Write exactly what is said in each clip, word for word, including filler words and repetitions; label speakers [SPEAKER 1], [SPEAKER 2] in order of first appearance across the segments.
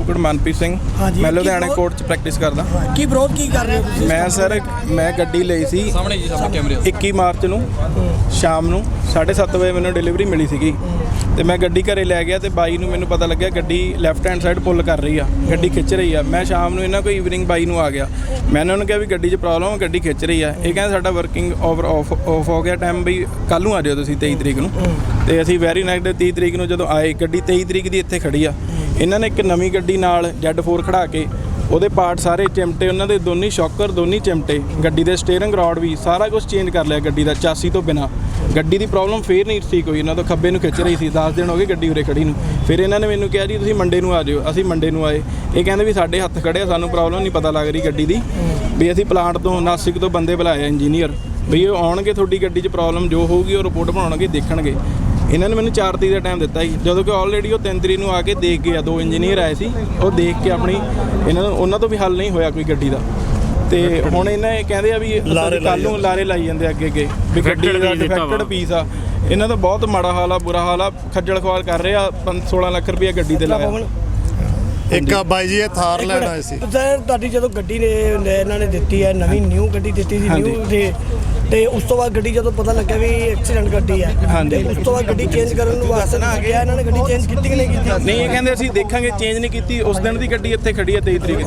[SPEAKER 1] ਕੁਕੜ ਮਨਪ੍ਰੀਤ ਸਿੰਘ। ਮੈਂ ਲੁਧਿਆਣੇ ਕੋਰਟ 'ਚ ਪ੍ਰੈਕਟਿਸ ਕਰਦਾ।
[SPEAKER 2] ਕੀ ਵਿਰੋਧ ਕੀ ਕਰ ਰਹੇ ਹੋ ਤੁਸੀਂ?
[SPEAKER 1] ਮੈਂ ਸਰ ਮੈਂ ਗੱਡੀ ਲਈ ਸੀ
[SPEAKER 3] ਸਾਹਮਣੇ ਜੀ ਸਾਹਮਣੇ ਕੈਮਰੇ
[SPEAKER 1] ਇੱਕੀ ਮਾਰਚ ਨੂੰ ਸ਼ਾਮ ਨੂੰ ਸਾਢੇ ਸੱਤ ਵਜੇ ਮੈਨੂੰ ਡਿਲੀਵਰੀ ਮਿਲੀ ਸੀਗੀ ਤੇ ਮੈਂ ਗੱਡੀ ਘਰੇ ਲੈ ਗਿਆ ਤੇ ਬਾਈ ਨੂੰ ਮੈਨੂੰ ਪਤਾ ਲੱਗਿਆ ਗੱਡੀ ਲੈਫਟ ਹੈਂਡ ਸਾਈਡ ਪੁੱਲ ਕਰ ਰਹੀ ਆ, ਗੱਡੀ ਖਿੱਚ ਰਹੀ ਆ। ਮੈਂ ਸ਼ਾਮ ਨੂੰ ਇਹਨਾਂ ਕੋਈ ਈਵਨਿੰਗ ਬਾਈ ਨੂੰ ਆ ਗਿਆ, ਮੈਂ ਇਹਨਾਂ ਨੂੰ ਕਿਹਾ ਵੀ ਗੱਡੀ 'ਚ ਪ੍ਰੋਬਲਮ ਆ, ਗੱਡੀ ਖਿੱਚ ਰਹੀ ਆ। ਇਹ ਕਹਿੰਦੇ ਸਾਡਾ ਵਰਕਿੰਗ ਓਵਰ ਆਫ ਆਫ ਹੋ ਗਿਆ ਟਾਈਮ, ਬਈ ਕੱਲ੍ਹ ਨੂੰ ਆ ਜਾਓ ਤੁਸੀਂ ਤੇਈ ਤਰੀਕ ਨੂੰ। ਤੇ ਅਸੀਂ ਵੈਰੀ ਨਾਈਟ ਤੀਹ ਤਰੀਕ ਨੂੰ ਜਦੋਂ ਆਏ, ਗੱਡੀ ਤੇਈ ਤਰੀਕ ਦੀ ਇੱਥੇ ਖੜੀ ਆ। ਇਹਨਾਂ ਨੇ ਇੱਕ ਨਵੀਂ ਗੱਡੀ ਨਾਲ ਜੈਡ ਫੋਰ ਖੜਾ ਕੇ ਉਹਦੇ ਪਾਰਟ ਸਾਰੇ ਚਿਮਟੇ, ਉਹਨਾਂ ਦੇ ਦੋਨੀ ਸ਼ੌਕਰ ਦੋਨੀ ਚਿਮਟੇ, ਗੱਡੀ ਦੇ ਸਟੀਅਰਿੰਗ ਰੋਡ ਵੀ ਸਾਰਾ ਕੁਝ ਚੇਂਜ ਕਰ ਲਿਆ ਗੱਡੀ ਦਾ ਚਾਸੀ ਤੋਂ ਬਿਨਾਂ। ਗੱਡੀ ਦੀ ਪ੍ਰੋਬਲਮ ਫੇਰ ਨਹੀਂ ਠੀਕ ਹੋਈ, ਇਹਨਾਂ ਤੋਂ ਖੱਬੇ ਨੂੰ ਖਿੱਚ ਰਹੀ ਸੀ। ਦਸ ਦਿਨ ਹੋ ਗਏ ਗੱਡੀ ਉਰੇ ਖੜੀ ਨੂੰ। ਫਿਰ ਇਹਨਾਂ ਨੇ ਮੈਨੂੰ ਕਿਹਾ ਜੀ ਤੁਸੀਂ ਮੰਡੇ ਨੂੰ ਆ ਜਾਓ। ਅਸੀਂ ਮੰਡੇ ਨੂੰ ਆਏ, ਇਹ ਕਹਿੰਦੇ ਵੀ ਸਾਡੇ ਹੱਥ ਖੜੇ ਆ, ਸਾਨੂੰ ਪ੍ਰੋਬਲਮ ਨਹੀਂ ਪਤਾ ਲੱਗ ਰਹੀ ਗੱਡੀ ਦੀ, ਵੀ ਅਸੀਂ ਪਲਾਂਟ ਤੋਂ ਨਾਸਿਕ ਤੋਂ ਬੰਦੇ ਬੁਲਾਏ ਇੰਜੀਨੀਅਰ, ਵੀ ਉਹ ਆਉਣਗੇ ਤੁਹਾਡੀ ਗੱਡੀ 'ਚ ਪ੍ਰੋਬਲਮ ਜੋ ਹੋਊਗੀ ਉਹ ਰਿਪੋਰਟ ਬਣਾਉਣਗੇ, ਦੇਖਣਗੇ। ਇਹਨਾਂ ਨੇ ਮੈਨੂੰ ਚਾਰ ਤਰੀਕ ਦਾ ਟਾਈਮ ਦਿੱਤਾ ਸੀ, ਜਦੋਂ ਕਿ ਆਲਰੇਡੀ ਉਹ ਤਿੰਨ ਤਰੀਕ ਨੂੰ ਆ ਕੇ ਦੇਖ ਗਏ ਆ। ਦੋ ਇੰਜੀਨੀਅਰ ਆਏ ਸੀ, ਉਹ ਦੇਖ ਕੇ ਆਪਣੀ ਇਹਨਾਂ ਨੂੰ ਉਹਨਾਂ ਤੋਂ ਵੀ ਹੱਲ ਨਹੀਂ ਹੋਇਆ ਕੋਈ ਗੱਡੀ ਦਾ। ਤੇ ਹੁਣ ਇਹਨਾਂ ਇਹ ਕਹਿੰਦੇ ਆ ਵੀ ਕੱਲ੍ਹ ਨੂੰ ਲਾਰੇ ਲਾਈ ਜਾਂਦੇ ਅੱਗੇ ਅੱਗੇ ਵੀ ਗੱਡੀ ਦਾ ਡਿਫੈਕਟਡ ਪੀਸ ਆ। ਇਹਨਾਂ ਦਾ ਬਹੁਤ ਮਾੜਾ ਹਾਲ ਆ, ਬੁਰਾ ਹਾਲ ਆ, ਖੱਜਲ ਖੁਆਰ ਕਰ ਰਹੇ ਆ। ਸੋਲਾਂ ਲੱਖ ਰੁਪਇਆ ਗੱਡੀ ਤੇ ਲਾਇਆ।
[SPEAKER 4] ਇੱਕ ਬਾਈ ਜੀ ਇਹ ਥਾਰ ਲੈਣ ਆਏ ਸੀ
[SPEAKER 2] ਸਰ, ਤੁਹਾਡੀ ਜਦੋਂ ਗੱਡੀ ਨੇ ਇਹਨਾਂ ਨੇ ਦਿੱਤੀ ਹੈ, ਨਵੀਂ ਨਿਊ ਗੱਡੀ ਦਿੱਤੀ ਸੀ ਨਿਊ ਤੇ ਤੇ ਉਸ ਤੋਂ ਬਾਅਦ ਗੱਡੀ ਜਦੋਂ ਪਤਾ ਲੱਗਿਆ ਵੀ ਐਕਸੀਡੈਂਟ ਗੱਡੀ ਹੈ, ਤੇ ਉਸ ਤੋਂ ਬਾਅਦ ਗੱਡੀ ਚੇਂਜ ਕਰਨ ਨੂੰ ਵਾਸਤੇ ਨਾ ਗਿਆ ਇਹਨਾਂ ਨੇ ਗੱਡੀ ਚੇਂਜ ਕੀਤੀ ਕਿ ਨਹੀਂ ਕੀਤੀ?
[SPEAKER 1] ਨਹੀਂ, ਇਹ ਕਹਿੰਦੇ ਅਸੀਂ ਦੇਖਾਂਗੇ, ਚੇਂਜ ਨਹੀਂ ਕੀਤੀ। ਉਸ ਦਿਨ ਦੀ ਗੱਡੀ ਇੱਥੇ ਖੜੀ ਹੈ ਤੇਈ ਤਰੀਕ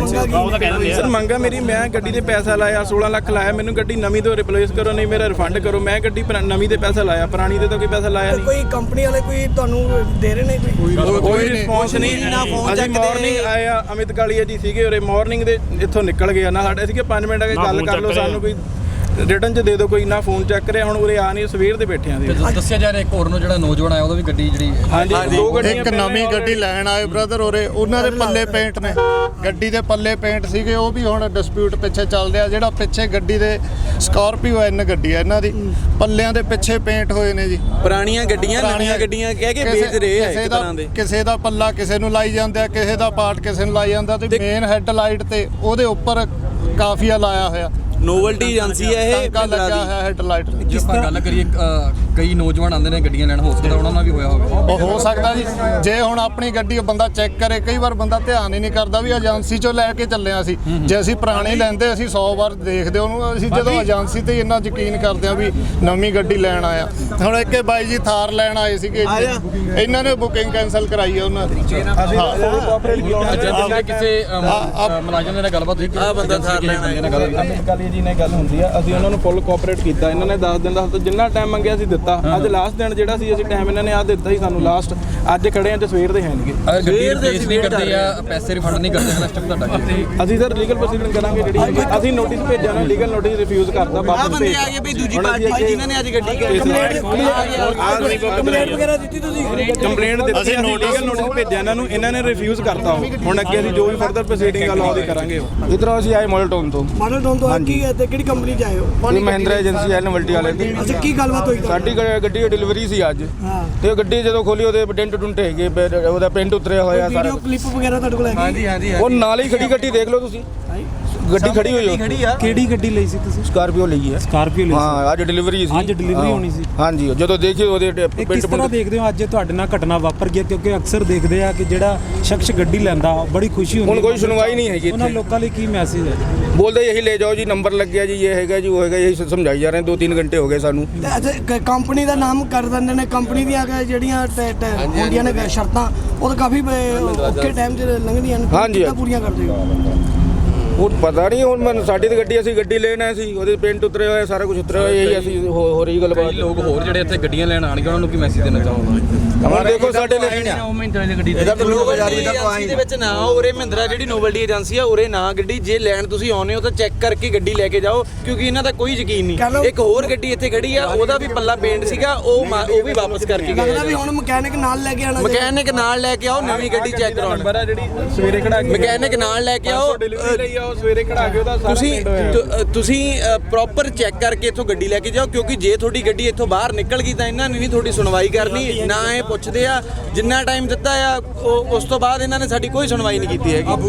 [SPEAKER 1] ਦੀ। ਸਰ ਮੰਗਾ ਮੇਰੀ, ਮੈਂ ਗੱਡੀ ਤੇ ਪੈਸਾ ਲਾਇਆ, ਸੋਲਾਂ ਲੱਖ ਲਾਇਆ, ਮੈਨੂੰ ਗੱਡੀ ਨਵੀਂ ਤੋਂ ਰਿਪਲੇਸ ਕਰੋ, ਨਹੀਂ ਮੇਰਾ ਰਿਫੰਡ ਕਰੋ। ਮੈਂ ਗੱਡੀ ਨਵੀਂ ਤੇ ਪੈਸਾ ਲਾਇਆ, ਪੁਰਾਣੀ ਤੇ ਤਾਂ ਕੋਈ ਪੈਸਾ ਲਾਇਆ ਨਹੀਂ।
[SPEAKER 2] ਕੋਈ ਕੰਪਨੀ ਵਾਲੇ ਕੋਈ ਤੁਹਾਨੂੰ ਦੇ ਰਹੇ ਨੇ ਕੋਈ
[SPEAKER 1] ਕੋਈ ਰਿਸਪੌਂਸ ਨਹੀਂ। ਅਸੀਂ ਮਾਰਨਿੰਗ ਆਏ ਆ, ਅਮਿਤ ਕਾਲੀਆ ਜੀ ਸੀਗੇ ਉਰੇ, ਮਾਰਨਿੰਗ ਦੇ ਇੱਥੋਂ ਨਿਕਲ ਗਏ ਨਾ। ਸਾਡੇ ਸੀਗੇ ਪੰਜ ਮਿੰਟ ਆ ਕੇ ਗੱਲ ਕਰ ਲਓ, ਸਾਨੂੰ ਕੋਈ ਰਿਟਰਨ 'ਚ ਦੇ ਦਿਓ, ਕੋਈ ਨਾ ਫੋਨ ਚੈੱਕ ਕਰਿਆ। ਹੁਣ ਉਰੇ ਆ ਨਹੀਂ, ਸਵੇਰ ਦੇ ਬੈਠੇ ਆਂ।
[SPEAKER 3] ਦੱਸਿਆ ਜਾ ਰਿਹਾ ਇੱਕ ਹੋਰ ਨੂੰ ਜਿਹੜਾ ਨੌਜਵਾਨ ਆਇਆ ਉਹਦਾ ਵੀ ਗੱਡੀ ਜਿਹੜੀ
[SPEAKER 1] ਹਾਂਜੀ ਦੋ ਗੱਡੀਆਂ,
[SPEAKER 4] ਇੱਕ ਨਵੀਂ ਗੱਡੀ ਲੈਣ ਆਏ ਬ੍ਰਦਰ ਉਰੇ, ਉਹਨਾਂ ਦੇ ਪੱਲੇ ਪੇਂਟ ਨੇ, ਗੱਡੀ ਦੇ ਪੱਲੇ ਪੇਂਟ ਸੀਗੇ, ਉਹ ਵੀ ਹੁਣ ਡਿਸਪਿਊਟ ਪਿੱਛੇ ਚੱਲ ਰਿਹਾ। ਜਿਹੜਾ ਪਿੱਛੇ ਗੱਡੀ ਦੇ ਸਕਾਰਪੀਓ ਐਨ ਗੱਡੀ ਹੈ ਇਹਨਾਂ ਦੀ, ਪੱਲਿਆਂ ਦੇ ਪਿੱਛੇ ਪੇਂਟ ਹੋਏ ਨੇ ਜੀ।
[SPEAKER 5] ਪੁਰਾਣੀਆਂ ਗੱਡੀਆਂ ਨਵੀਆਂ ਗੱਡੀਆਂ ਕਹਿ ਕੇ ਵੇਚ ਰਹੇ ਆ ਇੱਕ ਤਰ੍ਹਾਂ ਦੇ।
[SPEAKER 4] ਕਿਸੇ ਦਾ ਪੱਲਾ ਕਿਸੇ ਨੂੰ ਲਾਈ ਜਾਂਦੇ ਆ, ਕਿਸੇ ਦਾ ਪਾਰਟ ਕਿਸੇ ਨੂੰ ਲਾਈ ਜਾਂਦਾ, ਤੇ ਮੇਨ ਹੈੱਡਲਾਈਟ ਤੇ ਉਹਦੇ ਉੱਪਰ ਕਾਫੀਆ ਲਾਇਆ ਹੋਇਆ।
[SPEAKER 5] ਨੋਵਲਟੀ ਏਜੰਸੀ ਹੈ ਇਹ,
[SPEAKER 4] ਟਾਂਕਾ ਲੱਗਾ ਹੋਇਆ ਹੈੱਡਲਾਈਟ।
[SPEAKER 3] ਜਿਸ ਤਰ੍ਹਾਂ ਗੱਲ ਕਰੀਏ ਕਈ ਨੌਜਵਾਨ ਆਉਂਦੇ ਨੇ ਗੱਡੀਆਂ ਲੈਣ, ਹੋ ਸਕਦਾ ਉਹਨਾਂ ਨਾਲ ਵੀ ਹੋਇਆ ਹੋਵੇ।
[SPEAKER 4] ਉਹ ਹੋ ਸਕਦਾ ਜੀ, ਜੇ ਹੁਣ ਆਪਣੀ ਗੱਡੀ ਬੰਦਾ ਚੈੱਕ ਕਰੇ, ਕਈ ਵਾਰ ਬੰਦਾ ਧਿਆਨ ਹੀ ਨਹੀਂ ਕਰਦਾ ਵੀ ਏਜੰਸੀ ਚੋਂ ਲੈ ਕੇ ਚੱਲੇ ਅਸੀਂ। ਜੇ ਅਸੀਂ ਪੁਰਾਣੀ ਲੈਂਦੇ ਅਸੀਂ ਸੌ ਵਾਰ ਦੇਖਦੇ ਉਹਨੂੰ, ਅਸੀਂ ਜਦੋਂ ਏਜੰਸੀ ਤੇ ਇੰਨਾ ਯਕੀਨ ਕਰਦੇ ਆ ਵੀ ਨਵੀਂ ਗੱਡੀ ਲੈਣ ਆਇਆ। ਹੁਣ ਇੱਕ ਬਾਈ ਜੀ ਥਾਰ ਲੈਣ ਆਏ ਸੀਗੇ, ਇਹਨਾਂ ਨੇ ਬੁਕਿੰਗ ਕੈਂਸਲ ਕਰਾਈ ਹੈ ਉਹਨਾਂ ਦੀ।
[SPEAKER 3] ਕਿਸੇ ਮੁਲਾਜ਼ਮ ਦੇ ਨਾਲ ਗੱਲਬਾਤ ਹੋਈ,
[SPEAKER 5] ਆ ਬੰਦਾ ਥਾਰ ਲੈਣ
[SPEAKER 1] ਆਇਆ ਜੀ ਨੇ ਗੱਲ ਹੁੰਦੀ ਆ, ਅਸੀਂ ਉਹਨਾਂ ਨੂੰ ਫੁੱਲ ਕੋਆਪਰੇਟ ਕੀਤਾ। ਇਹਨਾਂ ਨੇ ਦਸ ਦਿਨ ਦਾ ਜਿੰਨਾ ਟਾਈਮ ਮੰਗਿਆ ਸੀ ਦਿੱਤਾ। ਅੱਜ ਲਾਸਟ ਦਿਨ ਜਿਹੜਾ ਸੀ ਅਸੀਂ ਟਾਈਮ ਇਹਨਾਂ ਨੇ ਆ ਦਿੱਤਾ ਸੀ ਸਾਨੂੰ ਲਾਸਟ। ਅੱਜ ਖੜੇ ਆਂ ਤੇ ਸਵੇਰ ਦੇ ਹੈਣਗੇ।
[SPEAKER 3] ਸਵੇਰ ਦੇ ਅਸੀਂ ਵੇਟ ਕਰਦੇ ਆ, ਪੈਸੇ ਰਿਫੰਡ ਨਹੀਂ ਕਰਦੇ ਨਾ ਸਟੈਪ ਤੁਹਾਡਾ।
[SPEAKER 1] ਅਸੀਂ ਸਰ ਲੀਗਲ ਪ੍ਰੋਸੀਡਿੰਗ ਕਰਾਂਗੇ। ਜਿਹੜੀ ਅਸੀਂ ਨੋਟਿਸ ਭੇਜਿਆ ਨਾ, ਲੀਗਲ ਨੋਟਿਸ ਰਿਫਿਊਜ਼ ਕਰਤਾ।
[SPEAKER 5] ਵਾਪਸ ਭੇਜ ਆ ਗਏ ਵੀ ਦੂਜੀ ਪਾਰਟੀ ਜਿਨ੍ਹਾਂ ਨੇ ਅੱਜ ਗੱਡੀ
[SPEAKER 2] ਕੰਪਲੇਂਟ ਵਗੈਰਾ ਦਿੱਤੀ ਤੁਸੀਂ?
[SPEAKER 1] ਕੰਪਲੇਂਟ ਦਿੱਤੀ, ਅਸੀਂ ਲੀਗਲ ਨੋਟਿਸ ਭੇਜਿਆ ਇਹਨਾਂ ਨੂੰ, ਇਹਨਾਂ ਨੇ ਰਿਫਿਊਜ਼ ਕਰਤਾ। ਹੁਣ ਅੱਗੇ ਅਸੀਂ ਜੋ ਵੀ ਫਰਦਰ ਪ੍ਰੋਸੀਡਿੰਗ ਆ ਲਾਅ ਦੀ ਕਰਾਂਗੇ। ਇਧਰੋਂ ਅਸੀਂ ਆਏ ਮਾਡਲ ਟਾਊਨ ਤੋਂ।
[SPEAKER 2] ਮਾਡਲ ਟਾਊਨ ਤੋਂ ਕੀ ਹੈ ਤੇ ਕਿਹੜੀ ਕੰਪਨੀ 'ਚ ਆਏ ਹੋ?
[SPEAKER 1] ਇਹ ਮਹਿੰਦਰਾ ਏਜੰਸੀ ਹੈ ਨਵਲਟੀ ਵਾਲੇ ਦੀ।
[SPEAKER 2] ਅੱਛਾ, ਕੀ ਗੱਲਬਾਤ ਹੋਈ?
[SPEAKER 1] ਸਾਡੀ ਗੱਡੀ ਦੀ ਡਿਲੀਵਰੀ ਸੀ ਅੱਜ, ਤੇ ਗੱਡੀ ਜਦੋਂ ਖੋਲੀ ਉਹਦੇ ਡੈਂਟ ਡੁੰਟ ਹੈਗੇ, ਉਹਦਾ ਪ੍ਰਿੰਟ ਉਤਰਿਆ ਹੋਇਆ ਸਾਰਾ।
[SPEAKER 2] ਵੀਡੀਓ ਕਲਿੱਪ ਵਗੈਰਾ ਤੁਹਾਡੇ ਕੋਲ ਹੈਗੀ?
[SPEAKER 5] ਹਾਂਜੀ ਹਾਂਜੀ।
[SPEAKER 1] ਉਹ ਨਾਲ ਹੀ ਖੜੀ ਗੱਡੀ ਦੇਖ ਲਓ ਤੁਸੀਂ, ਗੱਡੀ ਖੜੀ ਹੋਈ ਹੈ।
[SPEAKER 6] ਕਿਹੜੀ ਗੱਡੀ ਲਈ ਸੀ ਤੁਸੀਂ?
[SPEAKER 1] ਸਕਾਰਪੀਓ ਲਈ ਹੈ।
[SPEAKER 6] ਸਕਾਰਪੀਓ ਲਈ
[SPEAKER 1] ਹਾਂ, ਅੱਜ ਡਿਲੀਵਰੀ ਸੀ।
[SPEAKER 6] ਅੱਜ ਡਿਲੀਵਰੀ ਹੋਣੀ ਸੀ।
[SPEAKER 1] ਹਾਂਜੀ, ਜਦੋਂ ਦੇਖੀ ਉਹਦੇ
[SPEAKER 6] ਕਿਸ ਤਰ੍ਹਾਂ ਦੇਖਦੇ ਹੋ ਅੱਜ ਤੁਹਾਡੇ ਨਾਲ ਘਟਨਾ ਵਾਪਰ ਗਿਆ? ਕਿਉਂਕਿ ਅਕਸਰ ਦੇਖਦੇ ਆ ਕਿ ਜਿਹੜਾ ਸ਼ਖਸ ਗੱਡੀ ਲੈਂਦਾ ਬੜੀ ਖੁਸ਼ੀ ਹੁੰਦੀ।
[SPEAKER 1] ਹੁਣ ਕੋਈ ਸੁਣਵਾਈ ਨਹੀਂ ਹੈਗੀ
[SPEAKER 6] ਉਹਨਾਂ ਲੋਕਾਂ ਲਈ ਕੀ ਮੈਸੇਜ ਹੈ?
[SPEAKER 1] ਬੋਲਦੇ ਯਹੀ ਲੈ ਜਾਓ ਜੀ, ਨੰਬਰ ਲੱਗ ਗਿਆ ਜੀ, ਇਹ ਹੈਗਾ ਜੀ, ਉਹ ਹੈਗਾ, ਇਹੀ ਸਮਝਾਈ ਜਾ ਰਹੇ। ਦੋ ਤਿੰਨ ਘੰਟੇ ਹੋ ਗਏ ਸਾਨੂੰ।
[SPEAKER 2] ਕੰਪਨੀ ਦਾ ਨਾਮ ਕਰ ਦਿੰਦੇ ਨੇ, ਕੰਪਨੀ ਦੀਆਂ ਜਿਹੜੀਆਂ ਹੁੰਦੀਆਂ ਨੇ ਸ਼ਰਤਾਂ, ਉਹ ਤਾਂ ਕਾਫੀ ਔਖੇ ਟਾਈਮ 'ਚ ਲੰਘਦੀਆਂ ਨੇ।
[SPEAKER 1] ਹਾਂਜੀ,
[SPEAKER 2] ਪੂਰੀਆਂ ਕਰਦੇ ਹੋ?
[SPEAKER 1] ਉਹ ਪਤਾ ਨਹੀਂ। ਹੁਣ ਮੈਂ ਸਾਡੀ ਤਾਂ ਗੱਡੀ, ਅਸੀਂ ਗੱਡੀ ਲੈਣ ਆਏ ਸੀ, ਉਹਦੇ ਪੇਂਟ ਉਤਰੇ ਹੋਏ, ਸਾਰਾ ਕੁਝ ਉਤਰਿਆ ਹੋਇਆ, ਇਹੀ ਅਸੀਂ ਹੋ ਰਹੀ ਗੱਲਬਾਤ।
[SPEAKER 3] ਲੋਕ ਹੋਰ ਜਿਹੜੇ ਇੱਥੇ ਗੱਡੀਆਂ ਲੈਣ ਆਣਗੇ ਉਹਨਾਂ ਨੂੰ ਕੀ ਮੈਸੇਜ ਦੇਣਾ ਚਾਹੁੰਦਾ?
[SPEAKER 1] ਹੁਣ ਦੇਖੋ ਸਾਡੇ ਲਈ
[SPEAKER 5] ਏਜੰਸੀ ਦੇ ਵਿੱਚ ਨਾ ਉਰੇ ਮਹਿੰਦਰਾ ਜਿਹੜੀ ਨੋਵਲਟੀ ਏਜੰਸੀ ਆ ਉਰੇ ਨਾ ਗੱਡੀ ਜੇ ਲੈਣ ਤੁਸੀਂ ਆਉਨੇ ਹੋ ਤਾਂ ਚੈੱਕ ਕਰਕੇ ਗੱਡੀ ਲੈ ਕੇ ਜਾਓ, ਕਿਉਂਕਿ ਇਹਨਾਂ ਦਾ ਕੋਈ ਯਕੀਨ ਨਹੀਂ। ਇੱਕ ਹੋਰ ਗੱਡੀ ਇੱਥੇ ਖੜੀ ਆ, ਉਹਦਾ ਵੀ ਪੱਲਾ ਪੇਂਟ ਸੀਗਾ, ਉਹ ਉਹ ਵੀ ਵਾਪਸ ਕਰਕੇ ਗਏ।
[SPEAKER 2] ਲੱਗਦਾ ਵੀ ਹੁਣ ਮਕੈਨਿਕ ਨਾਲ ਲੈ ਕੇ ਆਣਾ,
[SPEAKER 5] ਮਕੈਨਿਕ ਨਾਲ ਲੈ ਕੇ ਆਓ, ਨਵੀਂ ਗੱਡੀ ਚੈੱਕ ਕਰਾਉਣ।
[SPEAKER 1] ਜਿਹੜੀ ਸਵੇਰੇ ਖੜਾ ਕੇ
[SPEAKER 5] ਮਕੈਨਿਕ ਨਾਲ ਲੈ ਕੇ ਆਓ,
[SPEAKER 1] ਸਵੇਰੇ ਖੜਾ ਕੇ ਉਹਦਾ
[SPEAKER 5] ਤੁਸੀਂ ਤੁਸੀਂ ਪ੍ਰੋਪਰ ਚੈੱਕ ਕਰਕੇ ਇੱਥੋਂ ਗੱਡੀ ਲੈ ਕੇ ਜਾਓ, ਕਿਉਂਕਿ ਜੇ ਤੁਹਾਡੀ ਗੱਡੀ ਇੱਥੋਂ ਬਾਹਰ ਨਿਕਲ ਗਈ ਤਾਂ ਇਹਨਾਂ ਨੇ ਨਹੀਂ ਤੁਹਾਡੀ ਸੁਣਵਾਈ ਕਰਨੀ। ਨਾ ਇਹ ਪੁੱਛਦੇ ਆ ਜਿੰਨਾ ਟਾਈਮ ਦਿੱਤਾ ਆ, ਉਸ ਤੋਂ ਬਾਅਦ ਇਹਨਾਂ ਨੇ ਸਾਡੀ ਕੋਈ ਸੁਣਵਾਈ ਨਹੀਂ ਕੀਤੀ ਹੈਗੀ।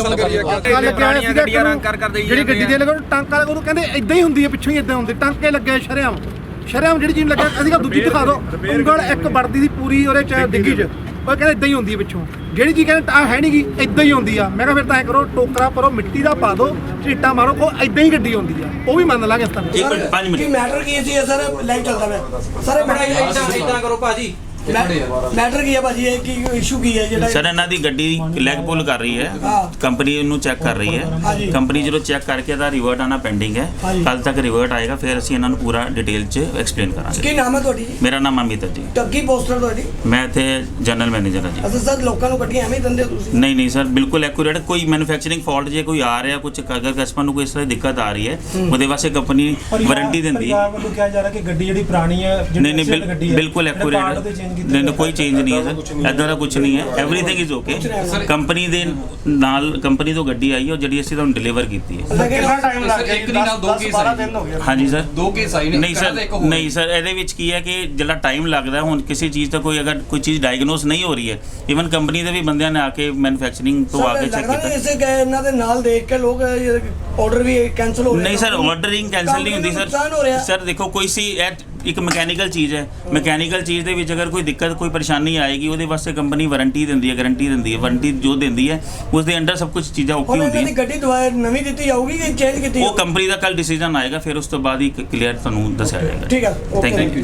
[SPEAKER 7] ਜਿਹੜੀ ਗੱਡੀ ਦੇ ਲਗੋ ਟਾਂਕਾ ਉਹਨੂੰ ਕਹਿੰਦੇ ਇਦਾਂ ਹੀ ਹੁੰਦੀ ਹੈ, ਪਿੱਛੋਂ ਹੀ ਇਦਾਂ ਹੁੰਦੇ ਟਾਂਕੇ ਲੱਗੇ ਸ਼ਰਿਆਮ ਸ਼ਰਿਆਮ ਜਿਹੜੀ ਚੀਜ਼ ਲੱਗਾ। ਅਸੀਂ ਕਿਹਾ ਦੂਜੀ ਦਿਖਾ ਦਿਓ। ਉਂਗਲ ਇੱਕ ਵੜਦੀ ਸੀ ਪੂਰੀ ਉਹਦੇ ਚ ਡਿੱਗੀ 'ਚ, ਉਹ ਕਹਿੰਦੇ ਇਦਾਂ ਹੀ ਹੁੰਦੀ ਹੈ ਪਿੱਛੋਂ ਜਿਹੜੀ ਚੀਜ਼ ਕਹਿੰਦੇ ਆ ਹੈ ਨਹੀਂ ਗੀ ਇਦਾਂ ਹੀ ਹੁੰਦੀ ਆ। ਮੈਂ ਕਿਹਾ ਫਿਰ ਤਾਂ ਐ ਕਰੋ ਟੋਕਰਾ ਭਰੋ ਮਿੱਟੀ ਦਾ ਪਾ ਦਿਓ ਝੀਟਾਂ ਮਾਰੋ ਉਹ ਇਦਾਂ ਹੀ ਗੱਡੀ ਹੁੰਦੀ ਆ ਉਹ ਵੀ ਮੰਨ ਲਾਂਗੇ ਇਸ ਤਰ੍ਹਾਂ।
[SPEAKER 8] ਇੱਕ ਮਿੰਟ ਪੰਜ ਮਿੰਟ
[SPEAKER 2] ਕੀ ਮੈਟਰ ਕੀ ਸੀ ਸਰ ਲਾਈਵ ਚੱਲਦਾ ਮੈਂ ਸਰ
[SPEAKER 5] ਇਦਾਂ ਕਰੋ ਭਾਜੀ
[SPEAKER 2] ਮੈਟਰ ਕੀ ਹੈ ਭਾਜੀ ਇਹ ਕੀ ਇਸ਼ੂ ਕੀ ਹੈ ਜਿਹੜਾ
[SPEAKER 8] ਸਰ ਇਹਨਾਂ ਦੀ ਗੱਡੀ ਲੈਗ ਪੁੱਲ ਕਰ ਰਹੀ ਹੈ ਕੰਪਨੀ ਨੂੰ ਚੈੱਕ ਕਰ ਰਹੀ ਹੈ ਕੰਪਨੀ ਜਦੋਂ ਚੈੱਕ ਕਰਕੇ ਇਹਦਾ ਰਿਵਰਟ ਆਣਾ ਪੈਂਡਿੰਗ ਹੈ ਕੱਲ ਤੱਕ ਰਿਵਰਟ ਆਏਗਾ ਫਿਰ ਅਸੀਂ ਇਹਨਾਂ ਨੂੰ ਪੂਰਾ ਡਿਟੇਲ 'ਚ ਐਕਸਪਲੇਨ ਕਰਾਂਗੇ।
[SPEAKER 2] ਕੀ ਨਾਮ ਹੈ ਤੁਹਾਡੀ ਜੀ?
[SPEAKER 8] ਮੇਰਾ ਨਾਮ ਅਮਿਤ ਹੈ ਜੀ।
[SPEAKER 2] ਟੱਗੀ ਪੋਸਟਰ ਤੁਹਾਡੀ?
[SPEAKER 8] ਮੈਂ ਇੱਥੇ ਜਨਰਲ ਮੈਨੇਜਰ ਹਾਂ ਜੀ।
[SPEAKER 2] ਅੱਛਾ ਸਰ ਲੋਕਾਂ ਨੂੰ ਗੱਡੀਆਂ ਐਵੇਂ ਹੀ ਦਿੰਦੇ ਹੋ ਤੁਸੀਂ?
[SPEAKER 8] ਨਹੀਂ ਨਹੀਂ ਸਰ ਬਿਲਕੁਲ ਐਕੂਰੇਟ ਕੋਈ ਮੈਨੂਫੈਕਚਰਿੰਗ ਫਾਲਟ ਜੇ ਕੋਈ ਆ ਰਿਹਾ ਕੁਝ ਅਗਰ ਕਸਟਮਰ ਨੂੰ ਕੋਈ ਇਸ ਤਰ੍ਹਾਂ ਦੀ ਦਿੱਕਤ ਆ ਰਹੀ ਹੈ ਉਹਦੇ ਵਾਸਤੇ ਕੰਪਨੀ ਵਾਰੰਟੀ ਦਿੰਦੀ ਹੈ।
[SPEAKER 6] ਪਰਿਵਾਰ ਵੱਲੋਂ ਕਿਹਾ ਜਾ ਰਿਹਾ ਕਿ ਗੱਡੀ ਜਿਹੜੀ ਪੁਰਾਣੀ ਹੈ
[SPEAKER 8] ਨਹੀਂ ਨਹੀਂ ਬਿਲ- ਬਿਲਕੁਲ ਐਕੂਰੇਟ ਨਹੀਂ ਨਹੀਂ ਕੋਈ ਚੇਂਜ ਨਹੀਂ ਹੈ ਸਰ ਇੱਦਾਂ ਦਾ ਕੁਝ ਨਹੀਂ ਹੈ ਐਵਰੀਥਿੰਗ ਇਜ਼ ਓਕੇ। ਕੰਪਨੀ ਦੇ ਨਾਲ ਕੰਪਨੀ ਤੋਂ ਗੱਡੀ ਆਈ ਹੈ ਜਿਹੜੀ ਅਸੀਂ ਤੁਹਾਨੂੰ ਡਿਲੀਵਰ ਕੀਤੀ ਹੈ।
[SPEAKER 7] ਕਿੰਨਾ ਟਾਈਮ ਲੱਗ ਗਿਆ?
[SPEAKER 3] ਇੱਕ ਨਹੀਂ ਨਾਲ ਦੋ ਕੇਸ ਆਏ
[SPEAKER 8] ਹਾਂਜੀ ਸਰ
[SPEAKER 3] ਦੋ ਕੇਸ ਆਏ ਨੇ
[SPEAKER 8] ਨਹੀਂ ਸਰ ਨਹੀਂ ਸਰ ਇਹਦੇ ਵਿੱਚ ਕੀ ਹੈ ਕਿ ਜਿਹੜਾ ਟਾਈਮ ਲੱਗਦਾ ਹੁਣ ਕਿਸੇ ਚੀਜ਼ ਦਾ ਕੋਈ ਅਗਰ ਕੋਈ ਚੀਜ਼ ਡਾਇਗਨੋਸ ਨਹੀਂ ਹੋ ਰਹੀ ਹੈ ਇਵਨ ਕੰਪਨੀ ਦੇ ਵੀ ਬੰਦਿਆਂ ਨੇ ਆ ਕੇ ਮੈਨੂਫੈਕਚਰਿੰਗ ਤੋਂ ਆ ਕੇ ਚੈੱਕ ਕੀਤਾ।
[SPEAKER 2] ਇਸੇ ਗਏ ਇਹਨਾਂ ਦੇ ਨਾਲ ਦੇਖ ਕੇ ਲੋਕ ਆਰਡਰ ਵੀ ਕੈਨਸਲ ਹੋ ਰਹੇ
[SPEAKER 8] ਨਹੀਂ ਸਰ ਆਰਡਰਿੰਗ ਕੈਂਸਲ ਨਹੀਂ ਹੁੰਦੀ ਸਰ ਸਰ ਦੇਖੋ ਕੋਈ ਸੀ ਇੱਕ ਮਕੈਨੀਕਲ ਚੀਜ਼ ਹੈ ਮਕੈਨੀਕਲ ਚੀਜ਼ ਦੇ ਵਿੱਚ ਅਗਰ ਕੋਈ ਦਿੱਕਤ ਕੋਈ ਪਰੇਸ਼ਾਨੀ ਆਏਗੀ ਉਹਦੇ ਵਾਸਤੇ ਕੰਪਨੀ ਵਾਰੰਟੀ ਦਿੰਦੀ ਹੈ ਗਾਰੰਟੀ ਦਿੰਦੀ ਹੈ ਵਾਰੰਟੀ ਜੋ ਦਿੰਦੀ ਹੈ ਉਸ ਦੇ ਅੰਡਰ ਸਭ ਕੁਝ ਚੀਜ਼ਾਂ ਓਕੇ ਹੁੰਦੀਆਂ।
[SPEAKER 2] ਹੁਣ ਗੱਡੀ ਦੁਬਾਰਾ ਨਵੀਂ ਦਿੱਤੀ ਜਾਊਗੀ ਕਿ ਚੇਂਜ ਕੀਤੀ
[SPEAKER 8] ਉਹ ਕੰਪਨੀ ਦਾ ਕੱਲ ਡਿਸੀਜਨ ਆਏਗਾ ਫਿਰ ਉਸ ਤੋਂ ਬਾਅਦ ਹੀ ਕਲੀਅਰ ਤੁਹਾਨੂੰ ਦੱਸਿਆ ਜਾਏਗਾ।
[SPEAKER 2] ਠੀਕ ਹੈ
[SPEAKER 8] ਥੈਂਕ ਯੂ।